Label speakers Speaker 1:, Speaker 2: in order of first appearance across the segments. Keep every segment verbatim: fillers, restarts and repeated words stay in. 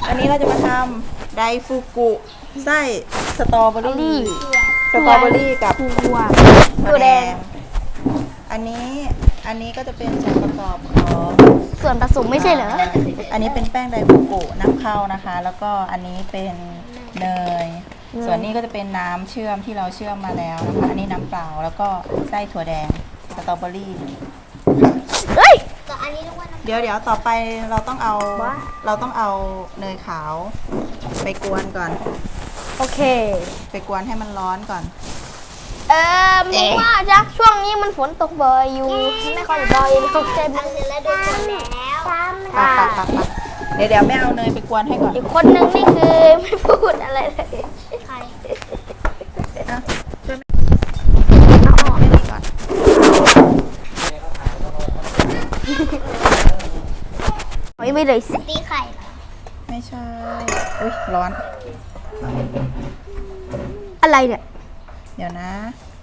Speaker 1: อันนี้เราจะมาทำไดฟูกุไส้สตรอเบอรี่สตรอเบอรี่กับ
Speaker 2: ถั่ว
Speaker 1: ถั่วแดงอันนี้อันนี้ก็จะเป็นส่วนประกอบของ
Speaker 2: ส่วนผสมไม่ใช่เหรอ
Speaker 1: อันนี้เป็นแป้งไดฟูกุน้ำเข้านะคะ แล้วก็อันนี้เป็นเนยส่วนนี้ก็จะเป็นน้ำเชื่อมที่เราเชื่อมมาแล้วนะคะอันนี้น้ำเปล่าแล้วก็ไส้ถั่วแดงสตรอเบอรี่
Speaker 2: เฮ้ย
Speaker 1: เดี๋ยวเดี๋ยวต่อไปเราต้องเอาเราต้องเอาเนยขาวไปกวนก่อน
Speaker 2: โอเค
Speaker 1: ไปกวนให้มันร้อนก่อน
Speaker 2: เออมึงว่าจ๊ะช่วงนี้มันฝนตกบ่อยอยู่ไม่ค่อยบ่อยตกใจมันแล้วดูแล้ว
Speaker 1: ปักปักปักปักเดี๋ยวเดี๋ยวแม่เอาเนยไปกวนให้ก่อน
Speaker 2: อีกคนนึงนี่คือไม่พูดอะไรเลยใคร
Speaker 1: อ่ะช่วยแม่เอาออกให้ดีก่อน
Speaker 2: ไม่เลยสิตีไข่
Speaker 1: ไม่ใช่อุ้ยร้อน
Speaker 2: อะไรเนี่ย
Speaker 1: เดี๋ยวนะ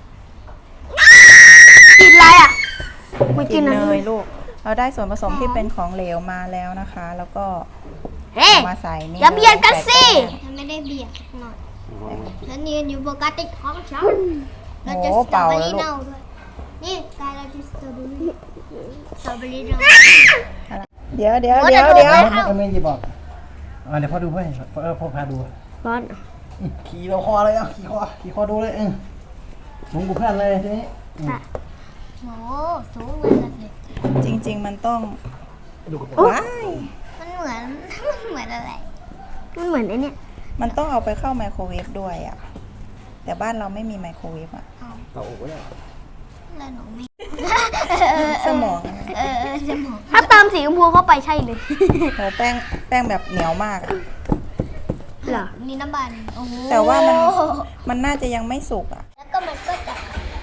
Speaker 2: กินอะไรอ่ะไม่
Speaker 1: กินเนยลูกเราได้ส่วนผสมที่เป็นของเหลวมาแล้วนะคะแล้วก็มาใส่นี่
Speaker 2: อย่าเบียดกันสิ
Speaker 3: ไม่ได้เบียดหน่อยฉันยืนอยู่ปกติท้องฉันเราจะส
Speaker 1: ตรอ
Speaker 3: เบอรี่เน่าด้วยนี่กายเราจะสตรอเบอรี่สตรอเบอรี่เน่า
Speaker 1: เดี๋ยวเดี๋ยวเดี๋ยวเดี๋ยว
Speaker 4: ก็ไม่จะบอกเดี๋ยวพ่อดูให้เออพ่อพาดู
Speaker 2: ร้อน
Speaker 4: ขี่เราคอเลยอ่ะขี่คอขี่คอดูเลยเออสูงกูเพื่อนเลยทีนี้
Speaker 3: โอ้สูงเลยสิ
Speaker 1: จริงๆมันต้องว้าย
Speaker 3: มันเหมือนมันเหมือนอะไร
Speaker 2: มันเหมือนไอ้นี่
Speaker 1: มันต้องเอาไปเข้าไมโครเวฟด้วยอ่ะแต่บ้านเราไม่มีไมโครเวฟอ่ะ
Speaker 4: เราโอ้ย
Speaker 3: แล้วหนูไม่
Speaker 1: สมอง
Speaker 3: เออสมอง
Speaker 2: ถ้าเติมสีชมพูเข้าไปใช่เลย
Speaker 1: โหแป้งแป้งแบบเหนียวมากอ่ะ
Speaker 2: เหรอ
Speaker 3: นี่น้ำมัน
Speaker 1: แต่ว่ามันมันน่าจะยังไม่สุกอ่ะ
Speaker 3: แล้วก็มันก็จะ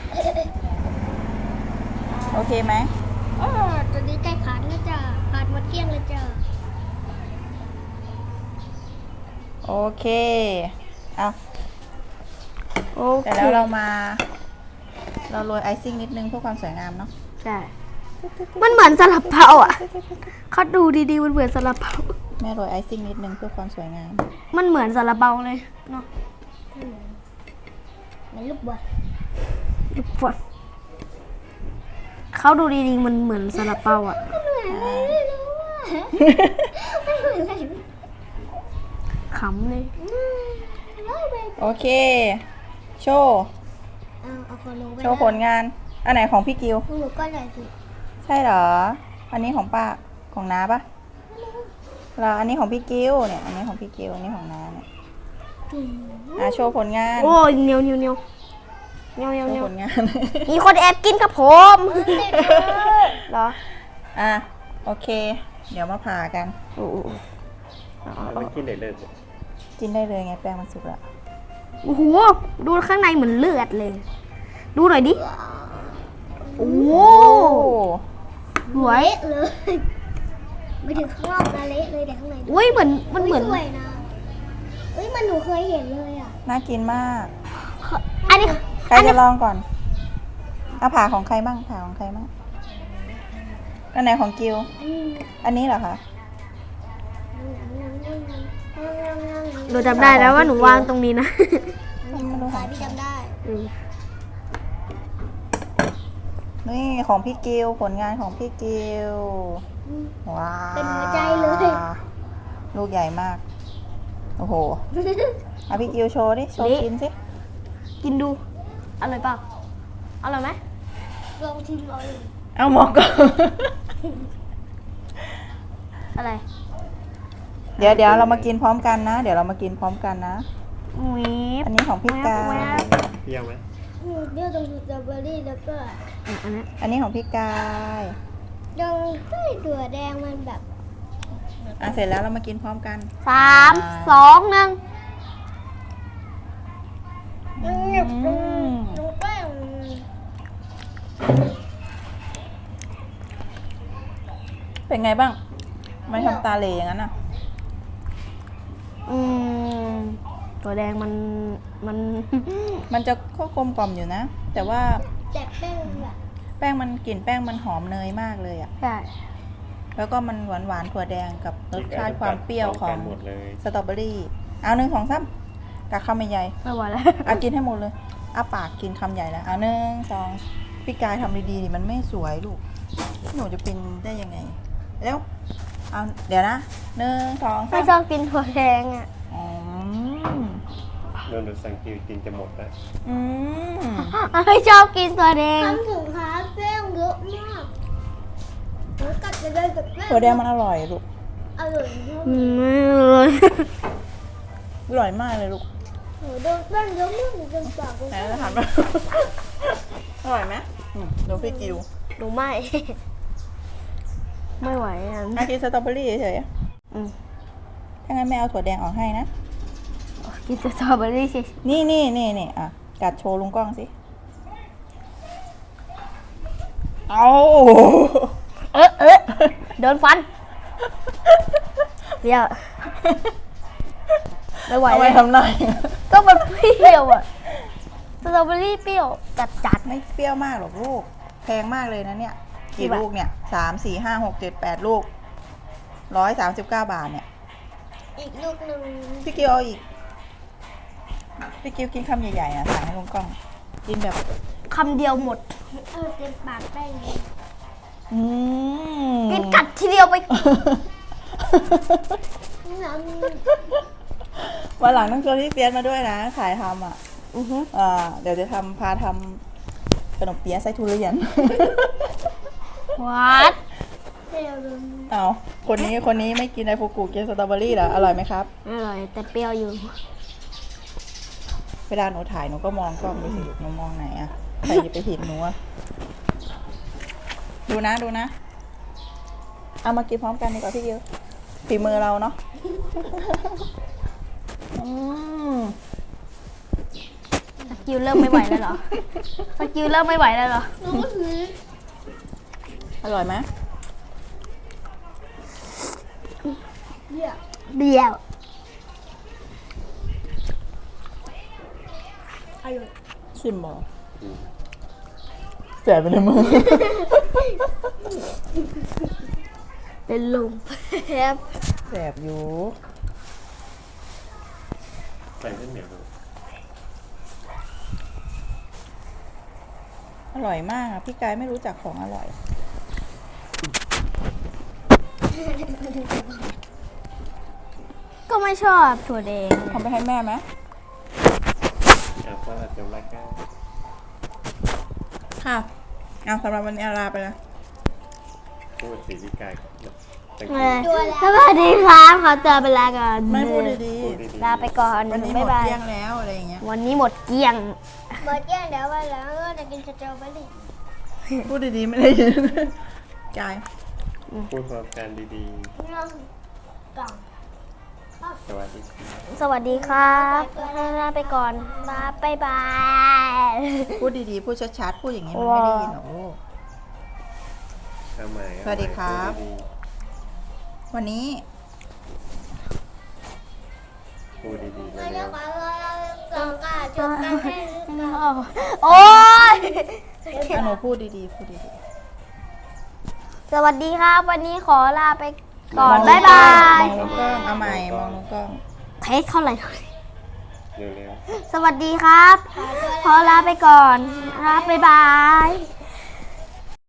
Speaker 1: โอเคไหม
Speaker 3: อ๋อตอนนี้ใกล้ขาดแล้วจ้ะขาดหมดเกลี้ยงเลยจ้ะ
Speaker 1: โอเคเอาแต่แล้วเรามาเราโรยไอซิ่งนิดนึงเพื่อความสวยงามเนาะ
Speaker 2: ใช่มันเหมือนซาลาเปาอ่ะเขาดูดีๆมันเหมือนซาลาเปา
Speaker 1: แม่โรยไอซิ่งนิดนึงเพื่อความสวยงาม
Speaker 2: มันเหมือนซาลาเปาเลยเนาะ
Speaker 3: มันลูกบอล
Speaker 2: ลูกบอลเขาดูดีๆมันเหมือนซาลาเปาอ่ะขำเลย
Speaker 1: โอเคโชว์โชว์ผลงานอันไหนของพี่กิว
Speaker 3: หนูก็เลยสิ
Speaker 1: ใช่เหรออันนี้ของป้าของน้าปะแล้วอันนี้ของพี่กิวเนี่ยอันนี้ของพี่กิวอันนี้ของน้าเนี่ยอ่ะโชว์ผลงาน
Speaker 2: โอ้ยเนียวเนียวเนียวเนียวเนียวเนียว
Speaker 1: ผลงาน
Speaker 2: มีคนแอบกินกับผมเหรอ
Speaker 1: อ่ะโอเคเดี๋ยวมาผ่ากัน
Speaker 4: โอ้ไม่กินได้เลย
Speaker 1: กินได้เลยไงแป้งมันสุกแล้ว
Speaker 2: โอ้โหดูข้างในเหมือนเลือดเลยดูหน่อยดิโอ้สวย
Speaker 3: เลยไม่ถึงข้างนอกนะเละเลยแต่ข้างใน
Speaker 2: อุ้ยเหมือนมันเหมือน
Speaker 3: สวยนะเอ้ยมันหนูเคยเห็นเลยอ่ะ
Speaker 1: น่ากินมาก
Speaker 2: อันนี้
Speaker 1: ใครจะลองก่อนเอาผ่าของใครบ้างผ่าของใครบ้างอันไหนของกิวอันนี้เหรอคะ
Speaker 2: หนูจำได้แล้วว่าหนูวางตรงนี้นะ
Speaker 3: พี่จำได้
Speaker 1: นี่ของพี่กิวผลงานของพี่กิวว้าว
Speaker 3: เป็นหัวใจเลย
Speaker 1: ลูกใหญ่มากโอ้โหเอาพี่กิวโชว์ดิโชว์กินสิ
Speaker 2: กินดูอร่อยเปล่าอร่อยไหม
Speaker 3: ลองชิมเอาเลย
Speaker 1: เอาหมอกก่อน
Speaker 2: อะไร
Speaker 1: เดี๋ยวเดี๋ยวเรามากินพร้อมกันนะเดี๋ยวเรามากินพร้อมกันนะอันนี้ของพี่กาย
Speaker 4: เปรี้ยวไหม
Speaker 3: เปรี้ยวตรงสตรอเบอรี่แล้วก็
Speaker 1: อันนี้อันนี้ของพี่กาย
Speaker 3: ตรงไส้ถั่วแดงมันแบบ
Speaker 1: อ่ะเสร็จแล้วเรามากินพร้อมกัน
Speaker 2: สามสองหนึ่ง
Speaker 1: เป็นไงบ้างไม่ทำตาเหล่อย่างนั้นอ่ะ
Speaker 2: อืมตัวแดงมันมัน
Speaker 1: มันจะก็กลมกล่อมอยู่นะแต่ว่า
Speaker 3: แต่แป้งแบบ
Speaker 1: แป้งมันกลิ่นแป้งมันหอมเนยมากเลยอ่ะ
Speaker 2: ใช่
Speaker 1: แล้วก็มันหวานหวานๆถั่วแดงกับรสชาติความเปรี้ยวของ
Speaker 5: หมดเลย
Speaker 1: สตรอเบอรี่เอาหนึ่งสองสามกัดคำใหญ่
Speaker 2: ไม่ไหวแล้ว
Speaker 1: ๆเอากินให้หมดเลยอ้าปากกินคำใหญ่แล้วเอาหนึ่งสองพี่กายทำดีๆดิมันไม่สวยลูกหนูจะเป็นได้ยังไงเร็วเอาเดี๋ยวนะหนึ่งสอง
Speaker 2: ไม่
Speaker 1: สาม
Speaker 2: ชอบกินถั่วแดงอ่ะ
Speaker 1: อืม
Speaker 5: โดนดูสังกิวกินจะหมดแล้ว
Speaker 1: อืม
Speaker 2: ไม่ชอบกินถั่วแดง
Speaker 3: ทำถึงค้าแป้งเยอะมากหนูกัดจะได้แบบแป้ง
Speaker 1: ถั่วแดงมันอร่อยลูก
Speaker 3: อร่อยมาก
Speaker 2: ไม่เลย
Speaker 1: อร่อยมากเลยลูก
Speaker 3: หนูโดนแป้งเยอะมากหนูจนปาก
Speaker 1: ไหนจะทานไป อร่อยไหมอืมดูพี่กิว
Speaker 2: หนูไม่ ไม่ไหวอ่ะ
Speaker 1: อากินสตรอเบอรี่เฉย
Speaker 2: อืม
Speaker 1: ๆถ้างั้นแม่เอาถั่วแดงออกให้นะ
Speaker 2: กินแต่สตรอเบอรี่สิ
Speaker 1: นี่นี่นี่นี่อ่ะ กัดโชว์ลุงกล้องสิ เอา
Speaker 2: เอ๊ะเอ๊ะโดนฟันเปรี้ยวไม่ไหว
Speaker 1: เอา
Speaker 2: เล
Speaker 1: ไว้
Speaker 2: ย
Speaker 1: ทำหน่อย
Speaker 2: ก็มันเปรี้ยวอ่ะสตรอเบอรี่เปรี้ยวจัดจัด
Speaker 1: ไม่เปรี้ยวมากหรอกลูก แพงมากเลยนะเนี่ย
Speaker 2: กี่
Speaker 1: กี่
Speaker 2: บาท
Speaker 1: ลูกเนี่ย สาม สี่ ห้า หก เจ็ด แปดลูก ร้อยสามสิบเก้าบาทเนี่ย
Speaker 3: อีกลูกหนึ่ง
Speaker 1: พี่กิวเอาอีก พี่กิวกินคำใหญ่ๆนะสั่งให้ลุงกล้อง กินแบบ
Speaker 2: คำเดียวหมด
Speaker 3: เออเต็มปากแป้งเลย
Speaker 1: อืม
Speaker 2: กินกัดทีเดียวไป
Speaker 3: น้
Speaker 1: วันหลังต้องชวนพี่เฟียสมาด้วยนะขายทำอ่ะ
Speaker 2: อือฮึ
Speaker 1: อ่าเดี๋ยวจะทำพาทำขนมเปี๊ยะไส้ทุเรียน
Speaker 2: วัด
Speaker 3: ำเดี๋ยวดู
Speaker 1: เอาคนนี้คนนี้ไม่กินไอฟูกุกินสตรอเบอรี่เหรออร่อยไหมครับ
Speaker 2: อร่อยแต่เปรี้ยวอยู่
Speaker 1: เวลาหนูถ่ายหนูก็มองกล้องดูสิลูกหนูมองไหนอะใครจะไปเห็นหนูอะดูนะดูนะ เอามากินพร้อมกันดีกว่าพี่เยอะฝีมือเราเนาะ อืม
Speaker 2: สกิลเริ่มไม่ไหวแล้วเหรอ สกิลเริ่มไม่ไหวแล้วเหรอ
Speaker 3: น้องก็ถือ
Speaker 1: อร่อยไหม
Speaker 3: เดี๋ยว
Speaker 2: เบี้ยว
Speaker 3: อร่อย
Speaker 1: ชิมบอแสบไปในมือ
Speaker 2: เป็นลมแทบ
Speaker 1: แสบอยู่
Speaker 5: ใส่เส้นเหนียวดู
Speaker 1: อร่อยมากอะพี่กายไม่รู้จักของอร่อย
Speaker 2: ก็ไม่ชอบถั่วแดง
Speaker 1: ทำไปให้แม่ไหม
Speaker 5: อ่ะก็อาจจะรักกัน
Speaker 1: ค่ะเอาสำหรับวันนี้ลาไปแล้ว
Speaker 5: พูดสีพิกายสัง
Speaker 2: เอ
Speaker 5: กิว
Speaker 2: อสวัสดีครับขอตัวไปลาก่อน
Speaker 1: ไม่พูดดี
Speaker 5: พูดดีๆ
Speaker 2: ลาไปก่อน
Speaker 1: ๆ วันนี้หม
Speaker 2: บ๊าย
Speaker 1: ด
Speaker 2: บาย
Speaker 1: เที่ยงแล้วอะไรอย่างเงี้ย
Speaker 2: วันนี้หมดเกลี้ยง
Speaker 3: หมดแย่งเดี๋ยววันหลังก็จะกินสตรอเบอรี่
Speaker 1: พูดดีๆ ไม่ได้ยิน กาย
Speaker 5: พูดพร้อมกันดี
Speaker 3: น้องกล่อง
Speaker 5: ๆ สวัสดีครับ
Speaker 2: สวัสดีครับลาไปก่อนลาบายบาย
Speaker 1: พูดดีๆ พูดชัดๆ พูดอย่างนี้มันไม่ได้ยินหรอกลูก
Speaker 5: เอาใหม่เอาใหม่
Speaker 1: สวัสดีครับ
Speaker 5: พูดี
Speaker 1: วันนี้
Speaker 5: ๆพูดดีๆ
Speaker 3: เรา
Speaker 5: เร็
Speaker 3: จะ
Speaker 5: ว
Speaker 3: ขอเรากล่องกาจบกันให้
Speaker 2: โอ้ย
Speaker 1: อะหนูพูดดีๆ พูดดี
Speaker 2: สวัสดีครับ วันนี้ขอลาไป
Speaker 1: ๆ
Speaker 2: ก่อน
Speaker 1: ม
Speaker 2: บ๊ายบาย
Speaker 1: มองลงกล้อง เอาใหม่ มองลงกล้อง
Speaker 2: เทสเท่าไหร่
Speaker 5: ๆเร็วๆ
Speaker 2: สวัสดีครับ ขอลาไปก่อนลาบ๊ายบาย